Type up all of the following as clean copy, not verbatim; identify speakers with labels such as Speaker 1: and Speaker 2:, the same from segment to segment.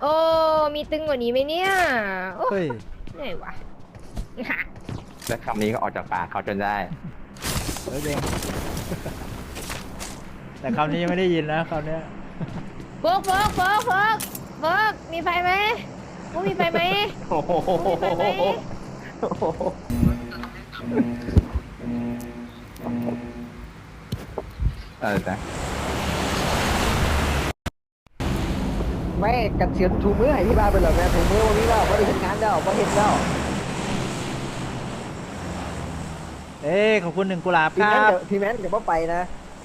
Speaker 1: โอ้มีตึงกว่านี้ไหมเนี่ยโอ้
Speaker 2: เฮ้ย
Speaker 1: เหนื่อยวะ
Speaker 3: และคำนี้ก็ออกจากปากเขาจนได้
Speaker 2: เฮ้ยเองแต่คำนี้ยังไม่ได้ยินนะคำเนี้ย
Speaker 1: โฟกโฟกโฟกโฟกโฟกมีไฟไหมมุกมีไฟไหม
Speaker 3: โอ้โห
Speaker 1: มุกมีไฟไหม
Speaker 3: จ้ะ
Speaker 4: ไม่กันเสียนถูมือให้พี่บ้าไปแล้วแม่ถูมือวันนี้แล้วว่าได้เห็นงานแล้วว่าเห็นแล้ว
Speaker 2: เอ้ยขอบคุณ1 กุหลาบค
Speaker 4: พี่
Speaker 2: รั
Speaker 4: แมน
Speaker 2: บ
Speaker 4: กับพี่แมนกับว่าไปนะ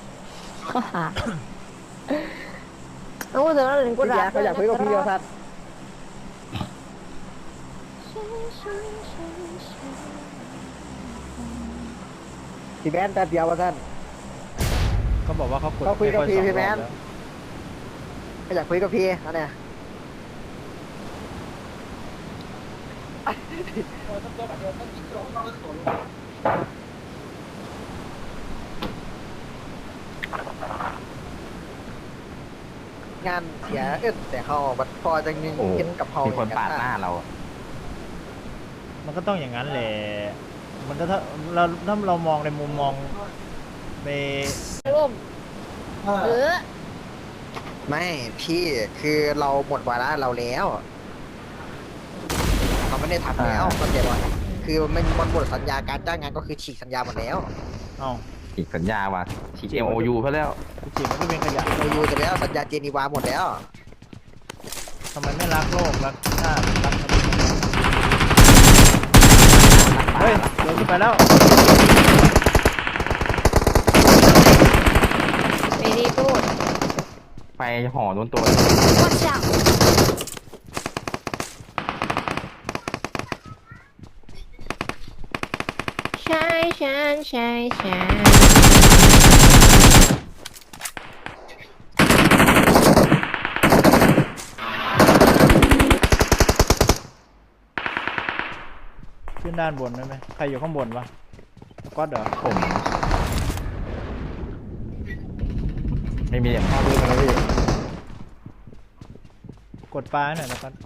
Speaker 1: เอาเถอะหนึ่งกู
Speaker 4: พี่
Speaker 1: รั
Speaker 4: ยาเขาอยากคุยกับพี่เดียวทัดพี่แมนแต่เดียวว่าท่าน
Speaker 2: เขาบอกว่าเขากด
Speaker 4: เขาคุยกับ
Speaker 2: ไม่
Speaker 4: พี่
Speaker 2: อ
Speaker 4: พี่แมน
Speaker 2: สองรอบล้ว
Speaker 4: เขาอยากคุยกับพี่นะเนี่ยงานเสียแต่เขาบัดพอจะยิง
Speaker 3: โอ้
Speaker 4: เห็นกับเขา
Speaker 3: มีคนปาดหน้าเรา
Speaker 2: มันก็ต้องอย่างนั้นแหละมันก็ถ้าเรามองในมุมมองใน
Speaker 1: ร่มเออ
Speaker 4: ไม่พี่คือเราหมดวาระเราแล้วเขาไม่ได้ทำแล้วเข้าใจป่ะคือมันหมดสัญญาการจ้างงานก็คือฉีกสัญญาหมดแล้ว
Speaker 2: เอ้า
Speaker 3: อีกสัญญาว่ะฉีก MOU เพื่อแล้ว
Speaker 2: จริงๆมันก็เป็นขยะ
Speaker 4: เราอยู่กันแล้วสัญญาเจนีวาหมดแล้ว
Speaker 2: ทำไมไม่รักโลกรักชาติรักเฮ้ยเดินขึ้นไปแล้ว
Speaker 1: ไม่ได้พูด
Speaker 3: ไปห่อโดนตัว
Speaker 1: Watch out ใช่ฉันใช่ฉัน
Speaker 2: ขึ้นด้านบนได้ไหมใครอยู่ข้างบนวะก็เดี๋ยว
Speaker 3: ผมไม่มีอย่างพ่อรู้กันเลยพี่
Speaker 2: กดปลาหน่อยนะครับ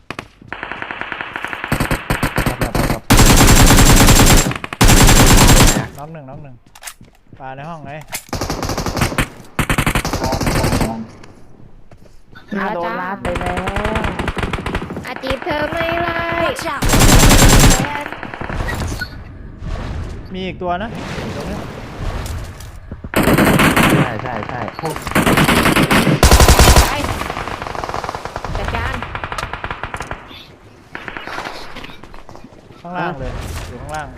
Speaker 2: น็อกหนึ่งปลาในห้องไง
Speaker 1: มาโดนลาไปแล้วอาจีบเธอไม่ไล่ Watch out
Speaker 2: มีอีกตัวนะตรงนี้
Speaker 3: ใช่ใช่ใช่
Speaker 1: ไปจัดการ
Speaker 2: ข้างล่างเลยอยู่ข้างล่าง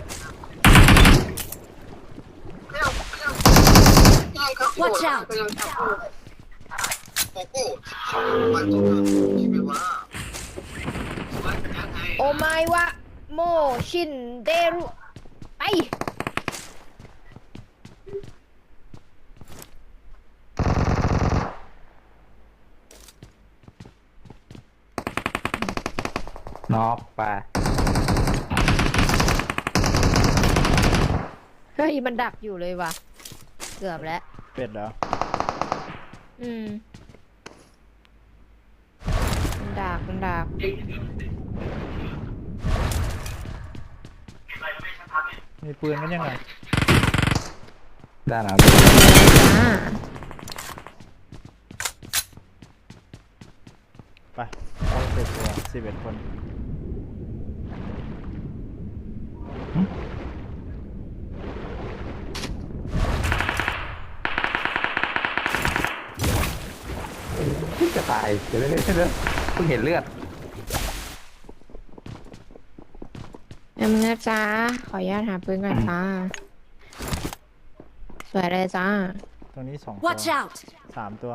Speaker 1: Watch out โอไมวะโมชินเดรุไป
Speaker 3: นอกไป
Speaker 1: เฮ้ยมันดักอยู่เลยว่ะเกือบแล้ว
Speaker 2: เป็ดเหรอ
Speaker 1: อืมมันดัก
Speaker 2: มีปืนกันยังไง
Speaker 3: ด้านหลัง
Speaker 1: จ้า
Speaker 2: ไปเอา11 คน
Speaker 3: จะตายเดี๋ยวเพิ่งเห็นเลือด
Speaker 1: แป๊บนึงนะจ้าขออนุญาตหาปืนก่อนจ้าสวยเลยจ้า
Speaker 2: ตรงนี้2 ตัว
Speaker 1: Watch out
Speaker 2: 3 ตัว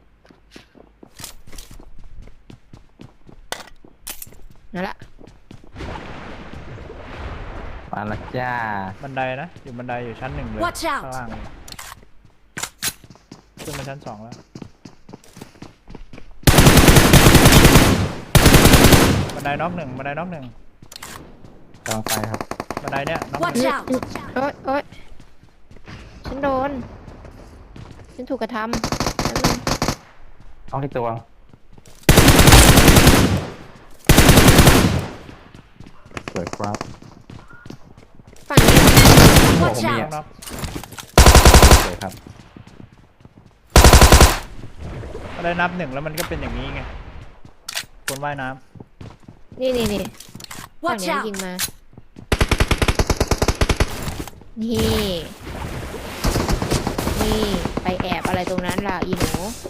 Speaker 1: นั่นละ
Speaker 3: มาและจ้า
Speaker 2: บันไดนะ อยู่บันไดอยู่ชั้น 1 เลย
Speaker 1: Watch out
Speaker 2: ข้างล่างเลยขึ้นมาชั้น 2 แล้ว บันไดน็อกหนึ่ง
Speaker 3: กำลังไปครับ
Speaker 2: บันไดเนี้ยน็อกหนึ่
Speaker 1: Watch
Speaker 2: ง
Speaker 1: out โอ๊ยฉันโดน ฉันถูกกระทำแป๊บนึง
Speaker 3: เอาที่ตัววยครับ
Speaker 1: ฝั่งนี้
Speaker 3: ผม
Speaker 5: Watch
Speaker 3: มี
Speaker 5: out
Speaker 2: น็อก
Speaker 3: สวยครับ
Speaker 2: ก็ได้นับหนึ่งแล้วมันก็เป็นอย่างนี้ไงคนว่ายน้
Speaker 1: นี่ฝั่ง
Speaker 5: Watch
Speaker 1: เนี้ย
Speaker 5: out
Speaker 1: ยิงมา นี่ไปแอบอะไรตรงนั้นล่ะอีหนู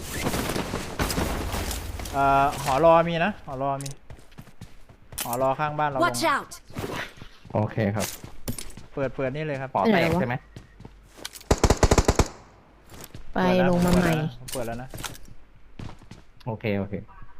Speaker 2: ำหอรอมีนะหอรอมีหอรอข้างบ้านเราลง
Speaker 5: Watch out!
Speaker 3: โอเคครับ
Speaker 2: เปิดนี่เลยครับ
Speaker 3: ปอแตกใช่ไหม
Speaker 1: ไปลงมาใหม่
Speaker 2: เปิดแล้วนะ
Speaker 3: โอเคโอเค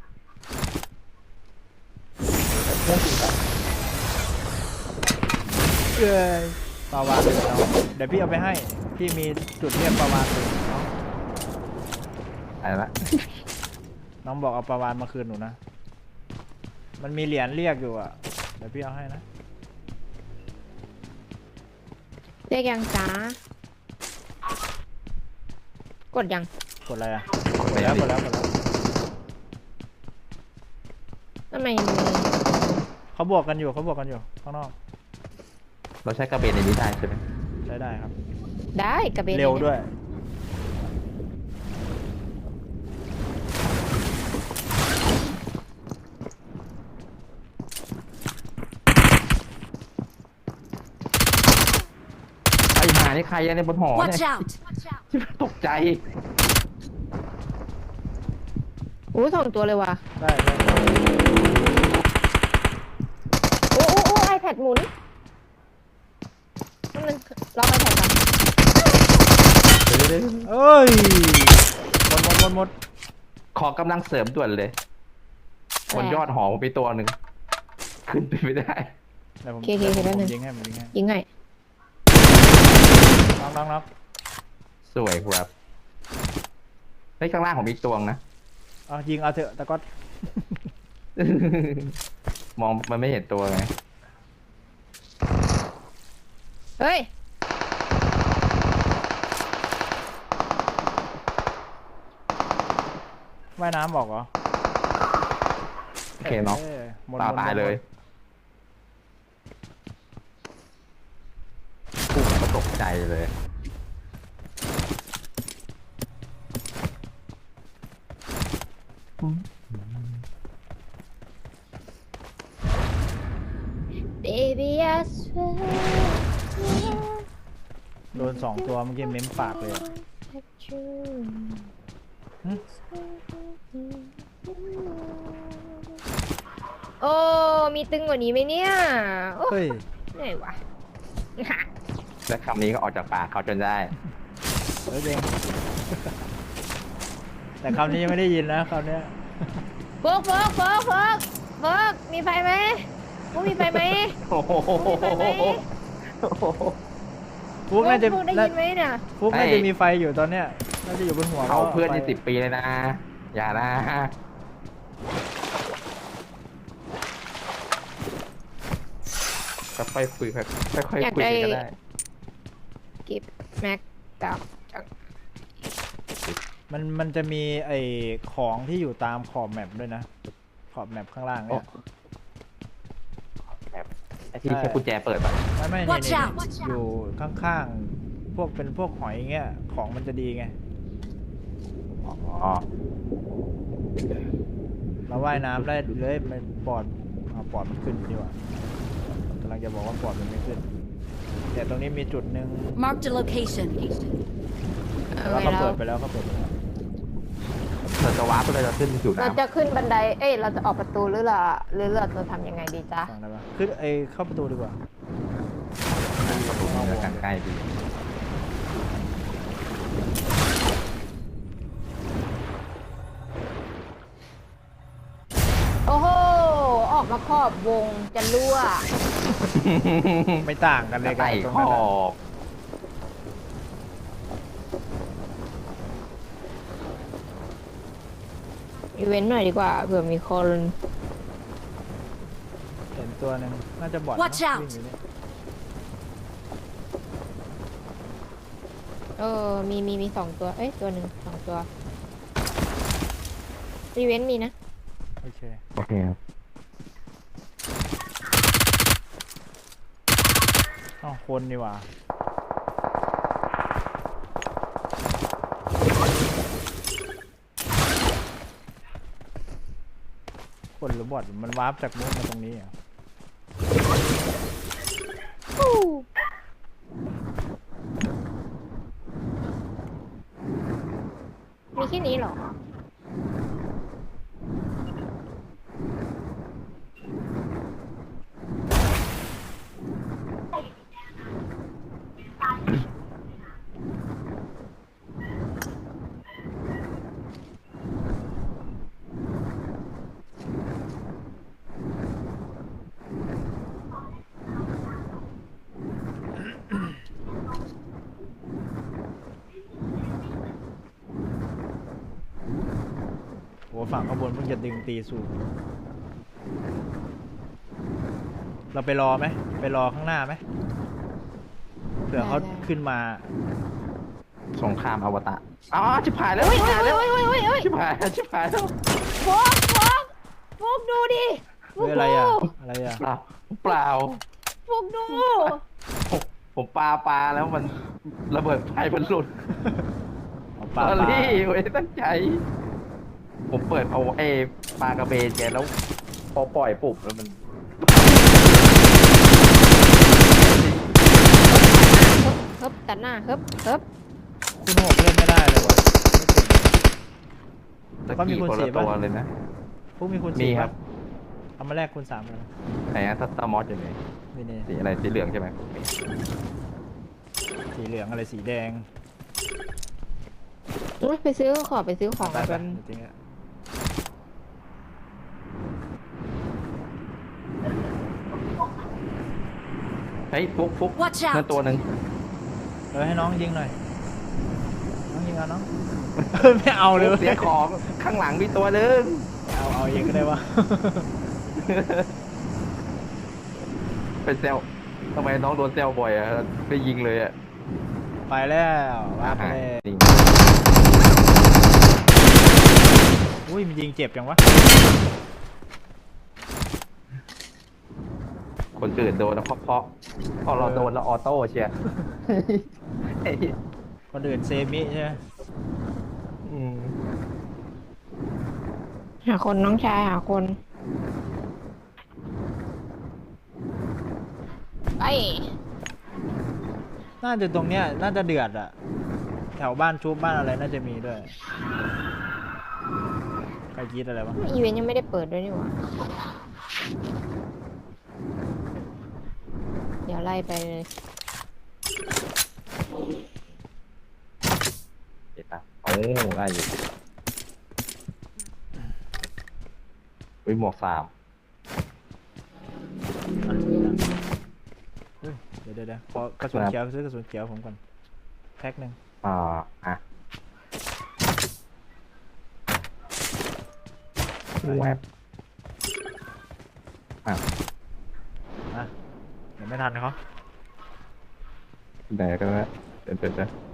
Speaker 2: เอ้ยปลาวานเลยเนาะเดี๋ยวพี่เอาไปให้พี่มีจุดเรียกปลาวานเลยน้อง
Speaker 3: อะไรละ
Speaker 2: น้องบอกเอาปลาวานมาคืนหนูนะมันมีเหรียญเรียกอยู่อ่ะเดี๋ยวพี่เอาให้นะ
Speaker 1: เรียกยังจ้ากดยัง
Speaker 2: กดอะไรอ่ะ
Speaker 3: กด
Speaker 2: ก
Speaker 3: ไป
Speaker 2: ดแล้ว
Speaker 3: ดิ
Speaker 2: กดแล้ว
Speaker 1: ทำไมมือ
Speaker 2: เขาบวกกันอยู่ข้างนอก
Speaker 3: เราใช้กระเบนในนี้ได้ใช่ไหม
Speaker 2: ใช้ได้ครับ
Speaker 1: ได้กระเบน
Speaker 2: เร็วด้วย
Speaker 3: ไอ้หานี่ใครอะในบนหอ
Speaker 5: Watch
Speaker 3: เนี่ย
Speaker 5: out!
Speaker 3: ตกใจ
Speaker 1: โอ้2 ตัวเลยว่ะ
Speaker 2: ได้ได้
Speaker 1: โอ้ไอแพดหมุนนั่นมันล็อกไอแพดก่อน
Speaker 3: เดี๋ยว
Speaker 2: เอ้ยหมด
Speaker 3: ขอกำลังเสริมด่วนเลยบนยอดหอผมไปตัวหนึ่งขึ้นไปไม่ได้
Speaker 2: เดี๋ยวผม
Speaker 1: โอเคแป๊บนึง
Speaker 2: ยิงให้ผมยิงให้
Speaker 1: ยิงไง
Speaker 2: น็อก
Speaker 3: สวยครับเฮ้ยข้างล่างผมมีตัวนะ
Speaker 2: เอายิงเอาเถอะแต่ก็
Speaker 3: มองมันไม่เห็นตัวไง
Speaker 1: เฮ้ย
Speaker 2: ว่ายน้ำบอกเหรอ
Speaker 3: โอเคเนาะ
Speaker 2: หมด
Speaker 3: ตายเลยปุ๊บก็ตกใจเลย
Speaker 1: Baby I swear
Speaker 2: โดน2 ตัวเมื่อกี้เม้มปากเลยอะ
Speaker 1: that you
Speaker 2: หึ
Speaker 1: โอ้มีตึงกว่านี้ไหมเนี่ยโอ้
Speaker 2: เฮ้ย
Speaker 1: เหนื่อยวะ
Speaker 3: และคำนี้ก็ออกจากปากเขาจนได้
Speaker 2: เฮ้ยเด้ง แต่คำนี้ยังไม่ได้ยินนะคำเนี้ย
Speaker 1: โฟกมีไฟไหมพวกมีไฟไหม
Speaker 3: โอ้โห
Speaker 1: มีไฟไหม
Speaker 2: ฟุกน่าจะ
Speaker 1: พวกได้ยินไหมเนี่ย
Speaker 2: ฟุกน่าจะมีไฟอยู่ตอนเนี้ยน่าจะอยู่บนหัว
Speaker 3: เขาเพื่อน
Speaker 2: ไฟ
Speaker 3: ที่10 ปีเลยนะ อย่านะค่อยๆคุยค่อยๆคุยกันก็ได้
Speaker 1: กิฟแม็กกับ
Speaker 2: มันจะมีไอ้ของที่อยู่ตามขอบแมปด้วยนะขอบแมปข้างล่างเนี่ย
Speaker 3: แบบไอ้ที่ใช้กุญแจเปิดป่ะ
Speaker 2: ไม่
Speaker 5: Watch
Speaker 2: นี่
Speaker 5: out
Speaker 2: อยู่ข้างๆเป็นพวกหอยเงี้ยของมันจะดีไง
Speaker 3: อ๋อ
Speaker 2: เราว่ายน้ำได้เลยมันปอดมันขึ้นดีกว่ากำลังจะบอกว่าปอดมันไม่ขึ้นแต่ตรงนี้มีจุดหนึ่ง
Speaker 5: Marked a location.
Speaker 2: แต่ว่าเขาเปิดไปแล้ว
Speaker 3: เธอจะวาร์ปเลยจะขึ้นสู่
Speaker 1: เรา
Speaker 3: น้ำ
Speaker 1: จะขึ้นบันไดเราจะออกประตูหรือเราจะทำยังไงดีจ๊ะ
Speaker 2: ฟังได้ปะขึ้นเข้าประตูดีกว่า
Speaker 3: ประตูมันจะใกล้ๆดี
Speaker 1: โอ้โหออกมาครอบวงจะรั่ว
Speaker 2: ไม่ต่างกันเลยกัน
Speaker 3: ไต่
Speaker 2: ตรง
Speaker 3: ข
Speaker 2: นั้น
Speaker 3: อ
Speaker 2: อะ
Speaker 3: บ
Speaker 1: อีเวนต์หน่อยดีกว่าเผื่อมีคน
Speaker 2: เห็นตัวหนึงน่าจะบอด
Speaker 5: Watch out
Speaker 2: วิ่งอยู่เนี่ย
Speaker 1: มี2 ตัวตัวหนึ่ง2 ตัวอีเวนต์มีนะ
Speaker 2: โอเค
Speaker 3: โอเคครับ
Speaker 2: อ้าวคนนี่หว่าคนหรือบอทมันวาร์ปจากนู้นมาตรงนี้อ่ะ
Speaker 1: มีแค่นี้เหรอ
Speaker 2: โอ้ฝั่งข้างบนเพิ่งจะดึงตีสูงเราไปรอไหมไปรอข้างหน้าไหมเผื่อเขา
Speaker 1: ได้
Speaker 2: ขึ้นมา
Speaker 3: สงครามอวตารอ๋อชิบหายแล้ว
Speaker 1: โอ้ย
Speaker 3: ชิบ
Speaker 1: โอ้
Speaker 3: หาย ยแล้ว
Speaker 1: โอ้ยโอ้ยโอ้ย
Speaker 3: ชิบหายแล้วชิบหายแล้ว
Speaker 1: โฟกโฟกดูดิโฟ
Speaker 2: เฮ้
Speaker 1: ก
Speaker 2: ยอะไร
Speaker 1: ดู
Speaker 2: อ่ะอะไรอ่ะ
Speaker 3: เปล่าเปล่า
Speaker 1: โฟกดู
Speaker 3: ผมปาแล้วมันระเบิดไฟมันหลุด
Speaker 2: เอา
Speaker 3: ป
Speaker 2: ปลา
Speaker 3: ลา
Speaker 2: ปลา
Speaker 3: ลี่ไม่ตั้งใจ ผมเปิดเอาปลากระเบนแกแล้วพอปล่อยปุ๊บแล้วมัน
Speaker 1: ฮึบตัดหน้าฮึบ
Speaker 2: คุณหกเล่นไม่ได้เลยวะ
Speaker 3: ตะ
Speaker 2: เขามี
Speaker 3: กี้
Speaker 2: คูณ
Speaker 3: คน
Speaker 2: สี่
Speaker 3: ละ
Speaker 2: ปะ
Speaker 3: ตัวเลยนะ
Speaker 2: พวกมีคุณ
Speaker 3: มี
Speaker 2: สี่
Speaker 3: ครับ
Speaker 2: เอามาแลกคุณสามกัน
Speaker 3: ไหนอะถ้าตามอสอยู่ไหน
Speaker 2: นี่นี่
Speaker 3: สีอะไรสีเหลืองใช่ไหม
Speaker 2: สีเหลืองอะไรสีแดง
Speaker 1: อุ๊ยไปซื้อของไปซื้อของ
Speaker 2: ไป
Speaker 1: กัน
Speaker 2: จริงๆอะ
Speaker 3: เฮ้ยฟุก
Speaker 5: Watch
Speaker 3: นั่น
Speaker 5: out!
Speaker 3: ตัวหนึ่ง
Speaker 2: ให้น้องยิงหน่อยน้องยิงเอาน้อง ไม่เอาเลย
Speaker 3: เสียของข้างหลังมีตัวหนึ่ง
Speaker 2: เอาเองก็ได้วะ
Speaker 3: เป็นเซลทำไมน้องโดนเซลบ่อยอะไปยิงเลยอะ
Speaker 2: ไปแล้วว่าไปแล้ว
Speaker 3: นี่
Speaker 2: อุ้ยมันยิงเจ็บจังวะ
Speaker 3: คนอื่นโดนแล้วเพราะพอเราโดนแล้วออโต้เชียร์ เฮ้ย
Speaker 2: คนอื่นเซมิใช่ไหม
Speaker 3: อืม
Speaker 1: หาคนน้องชายหาคนไป
Speaker 2: น่าจะตรงเนี้ยน่าจะเดือดอะแถวบ้านชุบบ้านอะไรน่าจะมีด้วยใครคิดอะไรวะ
Speaker 1: อีเวนต์ยังไม่ได้เปิดด้วยนี่หว่าเดี๋ยวไล่ไปเลย
Speaker 3: เห็นปะโอ้ได้อยู่วิหมวก3
Speaker 2: เฮ้ยเดี๋ยวขอกระสุนเขียวซื้อกระสุนเขียวผมก่อนแพ็คหนึ่ง
Speaker 3: อ่ะแวบ
Speaker 2: อ่ะเดี๋ยวไม่ทันเขา
Speaker 3: ไหนกันนะเดี๋ยว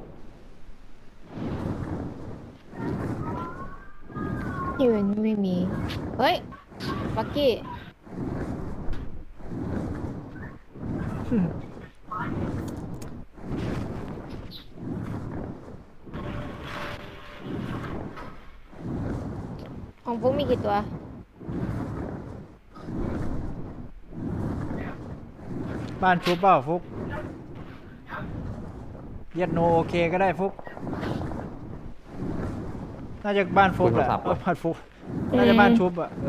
Speaker 1: อีเวนต์ไม่มีเฮ้ยบักกี้ของฟุ๊กมีกี่ตัว
Speaker 2: บ้านชุบเปล่าฟุกเย็ดโนโอเคก็ได้ฟุกน่าจะบ้านฟุกแหละบ้านฟุกน่าจะบ้านชุบอะ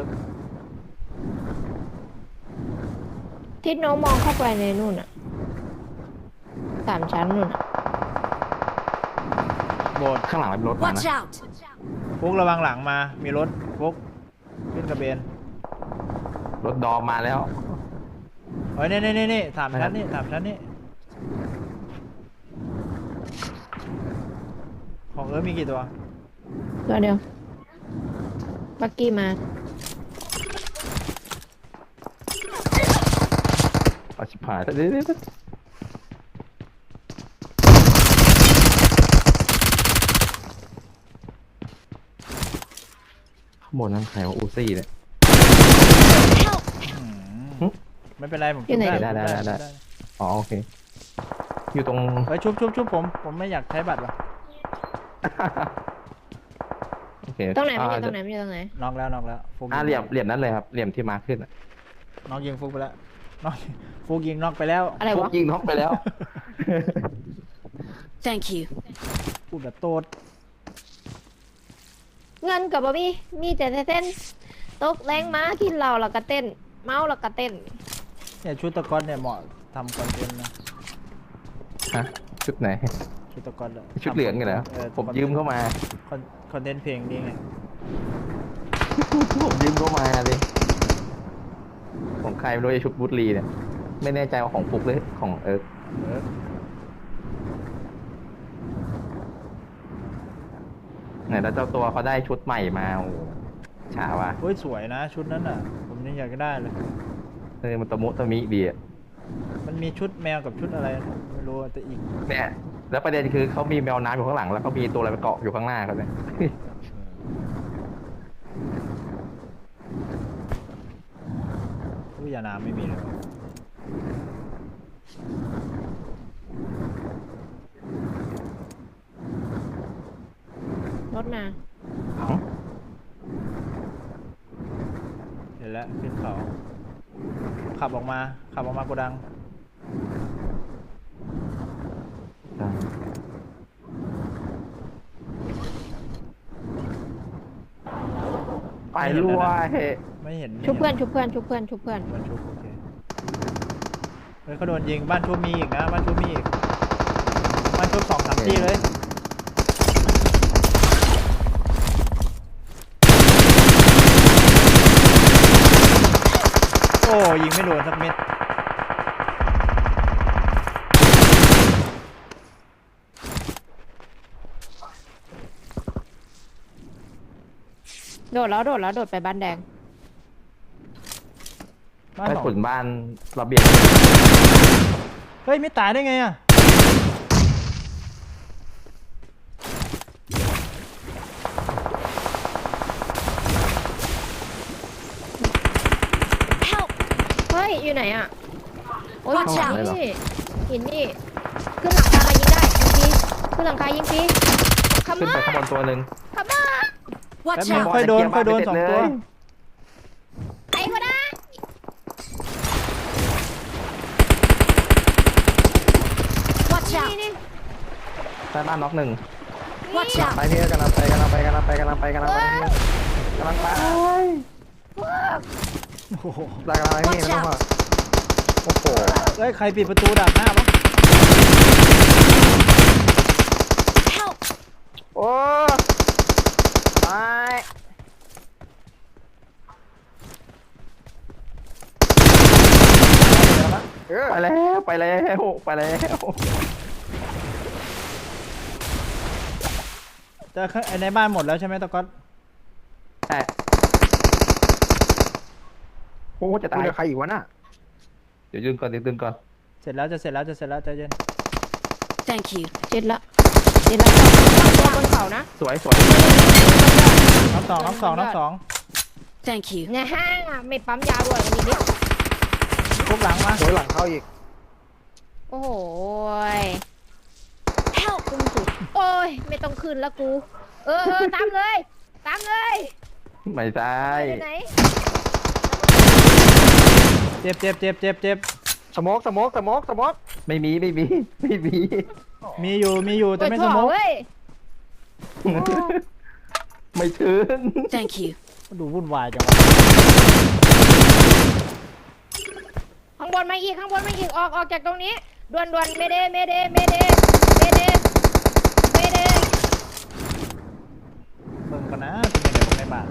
Speaker 1: ทิศน้องมองเข้าไปในนู่นอะ3 ชั้นนู่นอะ
Speaker 2: โบด
Speaker 3: ข้างหลังมันรถมา
Speaker 5: Watch
Speaker 3: นะ
Speaker 5: out!
Speaker 2: ฟุกระวังหลังมามีรถฟุกขึ้นกระเบน
Speaker 3: รถดอมมาแล้ว
Speaker 2: เฮ้ยนี่สามชั้นนี่ของมีกี่ตัว
Speaker 1: ตัวเดียวบักกี้มา
Speaker 3: เอาชิบหายเดี๋ยวข้างบนนั่นใครว่าอูซี่เนี่ย
Speaker 5: Help!
Speaker 2: ไม่เป็นไรผม
Speaker 1: อยู่ไหน
Speaker 2: ชุบ
Speaker 3: ได้ อ๋อโอเคอยู่ตรง
Speaker 2: เฮ้ยชุบผมไม่อยากใช้บัตรว่ะ
Speaker 3: โอเค
Speaker 1: ตรงไหนมันอยู่ตรงไหนมันอยู่ตรงไหน
Speaker 2: น็อกแล้วฟุก
Speaker 3: เหลี่ยมนั้นเลยครับเหลี่ยมที่มาขึ้นอะ
Speaker 2: น็อกยิงฟุกไปแล้วน็อกฟุกยิงน็อกไปแล้ว
Speaker 1: อะไร
Speaker 3: พว
Speaker 1: วะ
Speaker 3: กยิงน็อกไปแล้ว
Speaker 5: Thank you.
Speaker 2: พูดแบบโตด
Speaker 1: เงินกับบมี่มีแต่เต้นตกแรงม้ากินเหล้าแล้วก็เต้น เมาแล้วก็เต้น
Speaker 2: เนี่ยชุดตะกอนเนี่ยเหมาะทำคอนเทนต์นะ
Speaker 3: ฮะชุดไหน
Speaker 2: ชุดตะกอนอะ
Speaker 3: ชุดเหลืองไงเหรอผมยืมเข้ามา
Speaker 2: คอนเทนต์เพลงนี้ไง
Speaker 3: ผมยืมเข้ามาเลยของใครไม่รู้ไอ้ชุดบูตลีเนี่ยไม่แน่ใจว่าของฟุกหรือของ
Speaker 2: เออ
Speaker 3: ไหนแล้วเจ้าตัวเขาได้ชุดใหม่มาโอ้โหฉาว่ะ
Speaker 2: เฮ้ยสวยนะชุดนั้นอ่ะ ผมยังอยากได้เลย
Speaker 3: มันตะมุตะมิดีอ่ะ
Speaker 2: มันมีชุดแมวกับชุดอะไรนะไม่รู้อะแต่อีก
Speaker 3: เนี่ยแล้วประเด็นคือเขามีแมวน้ำอยู่ข้างหลังแล้วเขามีตัวอะไรมาเกาะอยู่ข้างหน้าเขาเนี่ย
Speaker 2: วิทยาน้ำไม่มีเลยวะ
Speaker 1: รถมา
Speaker 2: เห็นแล้วขึ้นเขาขับออกมาโกดัง
Speaker 3: ไปรวย
Speaker 2: ไม่เห็น
Speaker 1: ชุบเพื่อน
Speaker 2: ไม่
Speaker 1: ชุบเพื่อนชุบเพื่อนชุบเพื่อน
Speaker 2: เห็นบ้านชุบโอเคเฮ้ยเขาโดนยิงบ้านชุบมีอีกนะบ้านชุบมีอีกบ้านชุบ2-3ที่เลยโอ้ยิงไม่โดนสักเม็ด
Speaker 1: โดดไปบ้านแดง
Speaker 2: บ้าน
Speaker 3: ไป
Speaker 2: สอง
Speaker 3: ขุนบ้านระเบียง
Speaker 2: เฮ้ยไม่ตายได้ไงอ่ะ
Speaker 5: Help!
Speaker 1: เฮ้ย อยู่ไหนอ่ะ โอ้ย
Speaker 5: Watch
Speaker 1: หิ
Speaker 5: out
Speaker 1: นนี่หินนี่ ขึ้นหลังคายิงได้ยิงฟรีขึ้นหลังคายิงฟรีข
Speaker 3: ขึ้น
Speaker 1: มา
Speaker 3: ไปข้างบนตัวหนึ่ง
Speaker 1: ขมา
Speaker 5: Watch
Speaker 2: แล้วมัน
Speaker 5: out!
Speaker 2: ค่อยโดน2 ตัว
Speaker 1: ไอ้ก็ได้
Speaker 5: Watch
Speaker 1: นี่
Speaker 5: out!
Speaker 1: นี่
Speaker 3: ใต้บ้านน็อกหนึ่ง
Speaker 5: Watch out!
Speaker 4: ไปพี่กำลังไปกำลังไปพี่กำลังไปกำลังไป
Speaker 2: โอ้โห
Speaker 4: กำลังไปพี่ไม่ต้องห่วงโอ้โห
Speaker 2: เฮ้ยใครปิดประตูดักหน้าวะ
Speaker 5: Help!
Speaker 4: โอ้ตาย
Speaker 3: ไปแล้วไปแล้วไปแล้ว
Speaker 2: แต่ไอ้ในบ้านหมดแล้วใช่ไหมตะก๊อต
Speaker 3: แต่โอ้จะ
Speaker 4: ตา
Speaker 3: ตาย ย
Speaker 4: ใครอีกวะน่ะ
Speaker 3: เดี๋ยวยืนก่อน
Speaker 2: เสร็จแล้วจะเสร็จแล้วใจเย็น
Speaker 5: Thank you.
Speaker 1: เจ็ดละตัวบนเขานะ
Speaker 3: สวย
Speaker 2: น้องสอง
Speaker 5: Thank you.
Speaker 1: เนี่ยฮะไม่ปั๊มยาด้วยวันนี้
Speaker 2: คุกหลังมา
Speaker 4: โดยหลังเข้าอีก
Speaker 1: โอ้โห
Speaker 5: Help!
Speaker 1: ขึ้นสุดโอ้ย ไม่ต้องขึ้นแล้วกู ตามเลย
Speaker 3: ไม่ใช่
Speaker 1: ไปไหน
Speaker 2: เจ็บ
Speaker 4: สโมก
Speaker 3: ไม่มี
Speaker 2: มีอยู่แต่ไม่สมอง
Speaker 1: เว้ย
Speaker 3: ไม่ถึง
Speaker 5: Thank you.
Speaker 2: ดูวุ่นวายจังวะ
Speaker 1: ข้างบนมาอีกออกจากตรงนี้ด่วนเมเด
Speaker 2: เบิ่งกันนะเป็นยังไงในบ้าน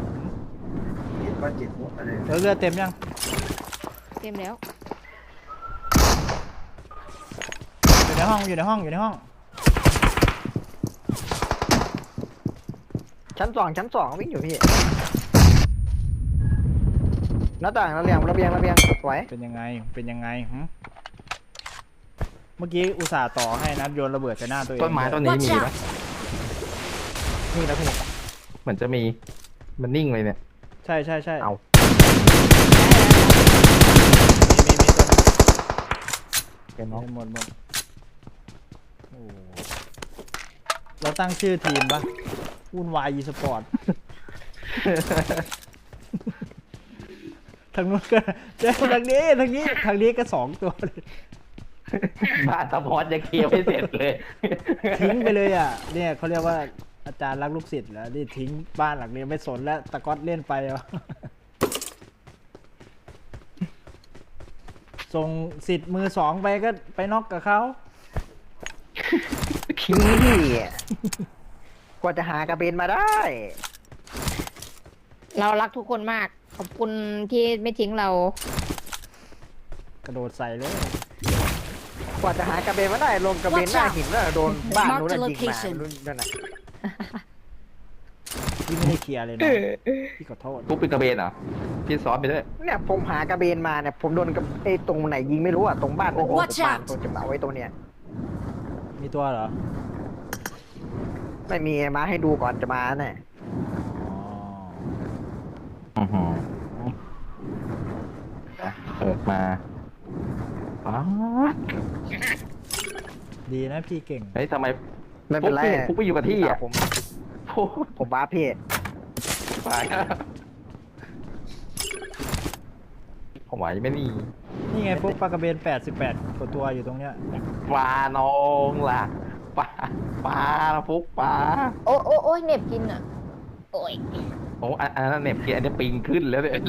Speaker 2: เรือเต็มยัง
Speaker 1: เต็มแล้ว
Speaker 2: อยู่ในห้อง
Speaker 4: ชั้นสองวิ่งอยู่พี่หน้าต่างระเบียงสวย
Speaker 2: เป็นยังไงหึเมื่อกี้อุตส่าห์ต่อให้นะโยนระเบิดใส่หน้าตัวเอง
Speaker 3: ต้นไม้ต้นนี้มีปะ
Speaker 4: นี่แล้วพี่
Speaker 3: เหมือนจะมีมันนิ่งเลยเนี่ย
Speaker 2: ใช่
Speaker 3: เอา
Speaker 2: มีตัวนึง
Speaker 3: เป็นน้อง
Speaker 2: หมดโอ้เราตั้งชื่อทีมปะวุ่นวายอีสปอร์ต ทางนู้นก็เจอทางนี้ก็2 ตัวเลย
Speaker 3: บ้านสปอร์ตยังเคลียร์ไม่เสร็จเลย
Speaker 2: ทิ้งไปเลยอ่ะ เนี่ยเขาเรียกว่าอาจารย์รักลูกศิษย์แล้วนี่ทิ้งบ้านหลังนี้ไม่สนแล้วตะก๊อตเล่นไปอ่ะ ส่งสิทธิ์มือ 2ไปก็ไปน็อกกับเขา
Speaker 4: ขี้กว่าจะหากระเบนมาได้
Speaker 1: เรารักทุกคนมาก ขอบคุณที่ไม่ทิ้งเรา
Speaker 2: กระโดดใส่เลย
Speaker 4: กว่าจะหากระเบนมาได้ลงกระเบนหน้าหินแล้วโดนบ้านนู้น
Speaker 5: Mark the
Speaker 4: น่ะยิงมา
Speaker 5: location
Speaker 4: นั่นน่ะ
Speaker 2: พี่ไม่ได้เคลียร์เลยนะพี่ขอโทษ
Speaker 3: ปุ๊บเป็นกระเบนเหรอพี่ซ้อนไปด้วย
Speaker 4: เนี่ยผมหากระเบนมาเนี่ยผมโดนกับไอ้ตรงไหนยิงไม่รู้อ่ะตรงบ้านโอ้โห
Speaker 5: Watch
Speaker 4: บ้าน
Speaker 5: out
Speaker 4: ตัวจะมาไว้ตรงเนี้ย
Speaker 2: มีตัวเหรอ
Speaker 4: ไม่มีมาให้ดูก่อนจะมาเนี่ย
Speaker 2: อ๋อ
Speaker 3: อือหือเปิดมาอ๋อ
Speaker 2: ดีนะพี่เก่ง
Speaker 3: เฮ้ยทำไม
Speaker 4: ไม่เป็นไร
Speaker 3: ปุ๊บไปอยู่กับที่อ่ะ
Speaker 4: ผม
Speaker 3: โอ้
Speaker 4: ผมบ้าพี่
Speaker 3: ไปผมไหวไม่นี่
Speaker 2: นี่ไงพวกปลากระเบน88 กว่าตัวอยู่ตรงเนี้ย
Speaker 3: ปลาน้องล่ะปลาฟุกปลา
Speaker 1: โอ้โอ้โอ้ยเหน็บกินอ่ะ โอ้ย
Speaker 3: โอ้อันนั้นเหน็บกินอันนี้ปิงขึ้นแล้วเนี่ย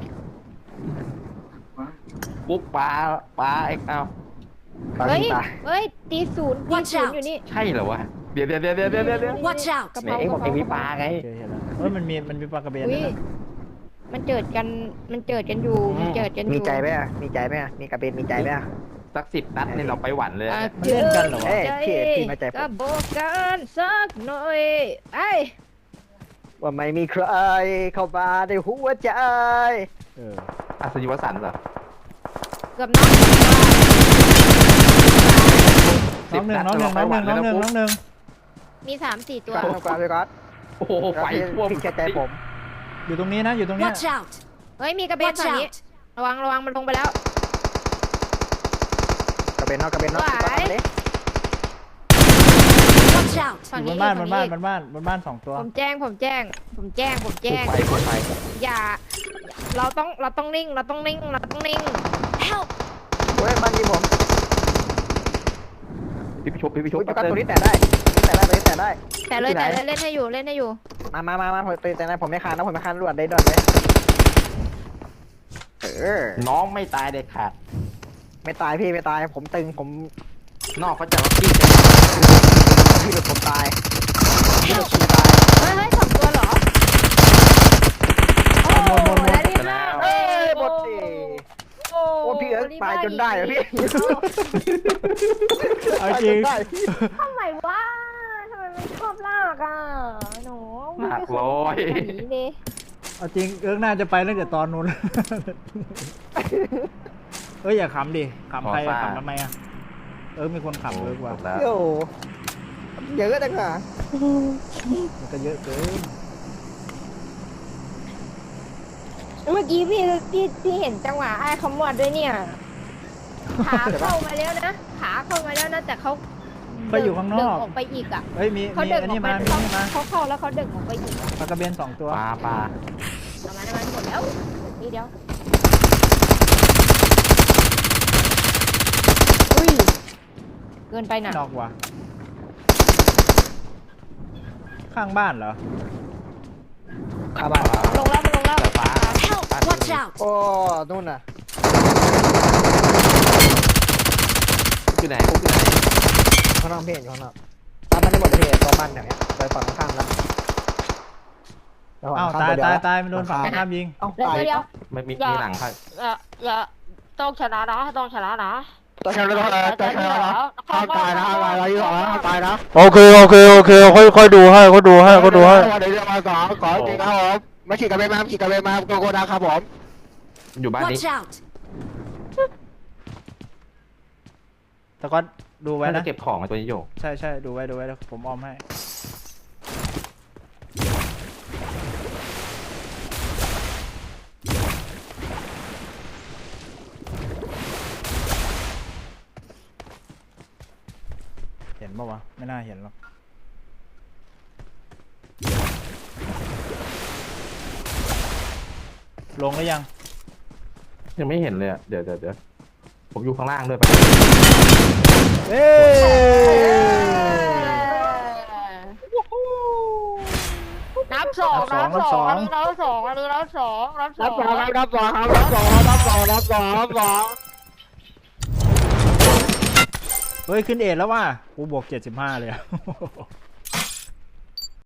Speaker 3: ฟุกปลาเอ็กเอา
Speaker 4: ตอน
Speaker 1: เฮ้ย
Speaker 4: นี้ตาย
Speaker 1: เฮ้ย ตีศูนย์
Speaker 5: Watch
Speaker 1: อยู่นี่
Speaker 3: ใช่เหรอวะเดี๋ยว
Speaker 5: Watch out
Speaker 1: กระ
Speaker 3: ไหน
Speaker 1: เป๋า
Speaker 3: เอ็กบอกเอ็กมีปลาไง
Speaker 2: เจอเห็นแล้วมันมีปลากระเบน
Speaker 1: อุ้
Speaker 2: ด้วย ยนะ
Speaker 1: มันเจิดกัน มันเจิดกันอยู่ มันเจิดกันอยู่
Speaker 4: มีใจไหมอ่ะมีใจไหมอ่ะมีกระเบนมีใจไหมอ่ะ
Speaker 3: สัก10 นัดเนี่ยเราไปหวันเลย
Speaker 1: อ่ะ
Speaker 3: นะ
Speaker 2: มันเล่นกันเหรอวะ
Speaker 4: เอ้ยพี่มาใจผม
Speaker 1: ก็บอกกันสักหน่อยไอ้
Speaker 4: ว่าไม่มีใครเข้ามาในหัวใจ
Speaker 2: เออ
Speaker 3: อัศยิวสันต์เหรอ
Speaker 1: เกือบน็อก
Speaker 2: น้องหนึ่ง
Speaker 1: มี3-4 ตัว
Speaker 4: ก่อนก่อนไปก่อน
Speaker 3: โอ้โหไฟท่วม
Speaker 4: พี่เชื่อใจผม
Speaker 2: อยู่ตรงนี้นะ อยู่ตรงเนี้ย
Speaker 5: Watch out!
Speaker 1: เฮ้ย มีกระเบน
Speaker 5: Watch
Speaker 1: ฝั่งนี้
Speaker 5: out!
Speaker 1: ระวังมันลงไปแล้ว
Speaker 4: กระเบนนอกกระเบนนอก
Speaker 1: ไหว
Speaker 4: ก่อนเลย
Speaker 5: Watch out!
Speaker 1: ฝั่ง
Speaker 2: อยู่
Speaker 1: นี้
Speaker 2: บนบ้าน
Speaker 1: ฝั่ง
Speaker 2: บนบ้าน2 ตัว
Speaker 1: ผมแจ้ง
Speaker 3: ไฟ
Speaker 1: อย่า เราต้องนิ่ง
Speaker 5: Help!
Speaker 4: โอ้ยบ้านยิงผม
Speaker 3: พี่พิช
Speaker 4: โอ้ยประกันตัวนี้แต่ได้ตัวนี้แต่ได้
Speaker 1: แต่เลยเล่นให้อยู่
Speaker 4: มาผมแต่ได้ผมไม่คานนะผมไม่คานรวดได้ด่วนเลย
Speaker 3: น้องไม่ตายเด็ดขาด
Speaker 4: ไม่ตายพี่ไม่ตายผมตึงผม
Speaker 3: นอกเขาจะล็อกกี้
Speaker 4: พี่แบบผมตายพี่แบบ
Speaker 5: Help!
Speaker 4: ผมตาย
Speaker 1: เฮ้ย2 ตัวเหรอ โอ้
Speaker 2: หมด
Speaker 1: แล้วนี่นะ
Speaker 4: เอ้ยหมดดิโอ้พี่เอิร์ธตายจนได้เหรอพี่
Speaker 2: เอาจริง
Speaker 4: ได้
Speaker 1: ทำไมวะทำไมมันชอบลากอ่ะหนู
Speaker 3: หนักร้อย
Speaker 1: หนีเลย
Speaker 2: เอาจริงเอิร์กน่าจะไปตั้งแต่ตอนนู้น เอ้ยอย่าขำดิขำใครอะขำทำไมอะเอิร์กมีคนขำเอิร์กว่ะ
Speaker 4: โย่เยอะจังอ่ะ
Speaker 2: มันก็เยอะเกิน
Speaker 1: เมื่อกี้พี่เห็นจังหวะไอ้ขมวดด้วยเนี่ย ขาเข้ามาแล้วนะ แต่เขา
Speaker 2: ก็อยู่ข้างน
Speaker 1: เดิ
Speaker 2: อก
Speaker 1: ออกไปอีกอ่ะ
Speaker 2: เฮ้ยมี
Speaker 1: เขา
Speaker 2: มี
Speaker 1: เดิน
Speaker 2: อัน
Speaker 1: ออ
Speaker 2: นี้
Speaker 1: กไป
Speaker 2: มามีนี่มา
Speaker 1: เขาเข้าแล้วเขาเดินออกไปอีกอะ
Speaker 2: ปลากระเบน2 ตัว
Speaker 3: ปลา
Speaker 1: ประมาณหมดแล้วนี่เดียวอุ้ยเกินไปหน่ะ
Speaker 2: นอกว่ะข้างบ้านเหรอ
Speaker 4: ข้าบ้าน
Speaker 1: มันลงแล้ว
Speaker 3: แต่ปลา
Speaker 5: Help! Watch out!
Speaker 4: โอ้นู่นน่ะ
Speaker 3: อยู่ไหน
Speaker 4: ข้างนอกพี่อยู่ข้างนอกตามมันได้หมดเลยพี่ตัวมันอย่างเงี้ยไปฝั่งข้างแล้ว
Speaker 2: อ้าวตายมันโดนฝั่งข้ามยิง
Speaker 4: เอ้า
Speaker 1: เดี๋ยว
Speaker 4: ตาย
Speaker 1: เดี๋ยว
Speaker 3: ไม่มีหลังค่ะ
Speaker 1: อย่าต้องชนะนะ
Speaker 4: ตัวแค่ตัวตายนะอะไรอยู่หรอตายนะ
Speaker 6: โอเคค่อยดูให้
Speaker 4: เดี๋ยวมาก่อนจริงครับผมมาขี่กระเบนมาโกดังครับผม
Speaker 3: อยู่บ้านนี้
Speaker 5: Watch out!
Speaker 2: แต่ก็ดูไว้
Speaker 3: น่าจะ
Speaker 2: นะ
Speaker 3: เก็บของไอ้ตัวนี้อยู่
Speaker 2: ใช่ดูไว้เดี๋ยวผมออมให้เห็นปะวะไม่น่าเห็นหรอกลงหรือยัง
Speaker 3: ยังไม่เห็นเลยอะเดี๋ยวผมอยู่ข้างล่างด้วยไป
Speaker 2: เอ้ย
Speaker 1: นับสอง
Speaker 2: นั
Speaker 1: นั
Speaker 2: บบ ส
Speaker 1: ส
Speaker 2: อ
Speaker 1: อง งอันนี้นับสองอันนี้นับสองนับส
Speaker 4: รั
Speaker 1: อบ ง
Speaker 4: สองครับรับสองครับรับสองรับสองรับสองรับสอง
Speaker 2: เฮ้ยขึ้นเอ็ดแล้วว่ะกูบวก75เลยอะ